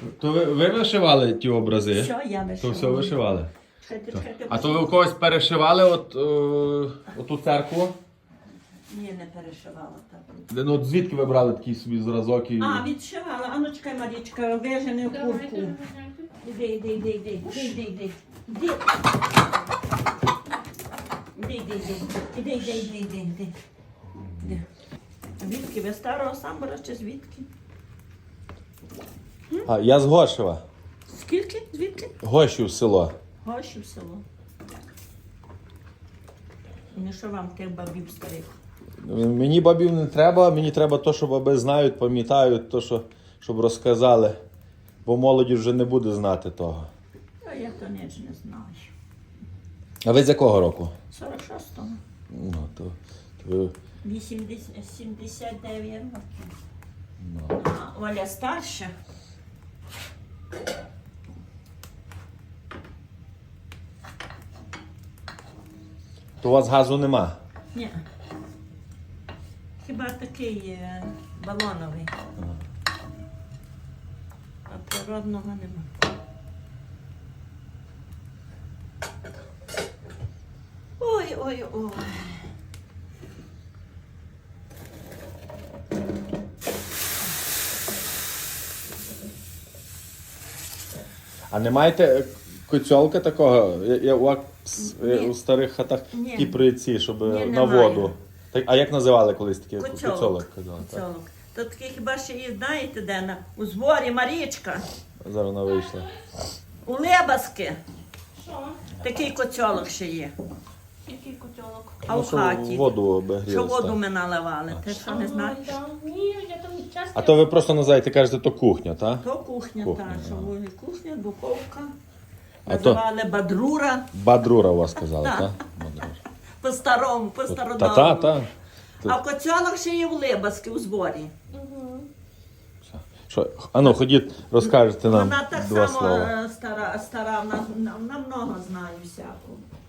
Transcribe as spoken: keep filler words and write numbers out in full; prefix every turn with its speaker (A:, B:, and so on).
A: То ви, ви вишивали ті образи?
B: Все, я
A: То
B: вишивала.
A: все вишивали?
B: Чекайте, чекайте,
A: А то ви у когось перешивали от, о, оту церкву?
B: Ні, не перешивала так.
A: Де, ну, от звідки ви брали такий собі зразок? І...
B: А, відшивала. А ну чекай, Марічка, вижени в куртку. Іди, іди, іди, іди, іди, іди, іди. Іди. Іди, іди, іди, іди, іди, іди, іди, іди. Іди. Звідки? Ви старого самбора чи звідки?
A: А, я з Гошева.
B: Скільки? Звідки?
A: Гошів село.
B: Гошів село. Не що вам тих бабів старих?
A: Мені бабів не треба, мені треба то, що баби знають, пам'ятають, то, що, щоб розказали. Бо молоді вже не буде знати того.
B: А я то ніч не знаю.
A: А ви з якого року?
B: сорок шостого.
A: Ну, то, то ви...
B: вісімдесят, сімдесят дев'ять років.
A: Ну.
B: А Оля старша.
A: То у вас газу нема?
B: Ні. Хіба такий е, балоновий. А природного нема. Ой, ой, ой.
A: А не маєте коцьолка такого? Я, я, у, вас, е,
B: Ні.
A: у старих хатах
B: Ні.
A: такі приці, щоб
B: Ні,
A: на
B: немає.
A: воду. Так, а як називали колись таке?
B: Коцьолок.
A: Коцьолок казали, так?
B: Коцьолок. То такий хіба ще і знаєте, де на у зборі Марічка,
A: Зараз вона вийшла.
B: у Лебаски.
C: Що?
B: Такий коцьолок ще є.
C: Який котелок?
B: А
A: Ну,
B: в
A: що
B: хаті.
A: воду
B: Що
A: обігрілась.
B: воду
A: так.
B: ми наливали. Ти що не знаєш?
C: Ага, да. Ні, я там часто...
A: А то ви просто називаєте, кажете, то кухня, так?
B: То кухня,
A: Кухня,
B: та, що
A: ага.
B: вугіль кухня, духовка.
A: А то-
B: Називали бадрура.
A: Бадрура у вас казали,
B: Так.
A: так? Бадрура.
B: По-старому,
A: Та,
B: по-стародавному.
A: та, та.
B: А коцьолок ще є в Лебаски у зборі.
C: Угу.
A: Що, а ну, ходіть, розкажете нам
B: Вона так
A: два
B: само
A: слова.
B: е, стара, стара, вона, вона много знає всякого.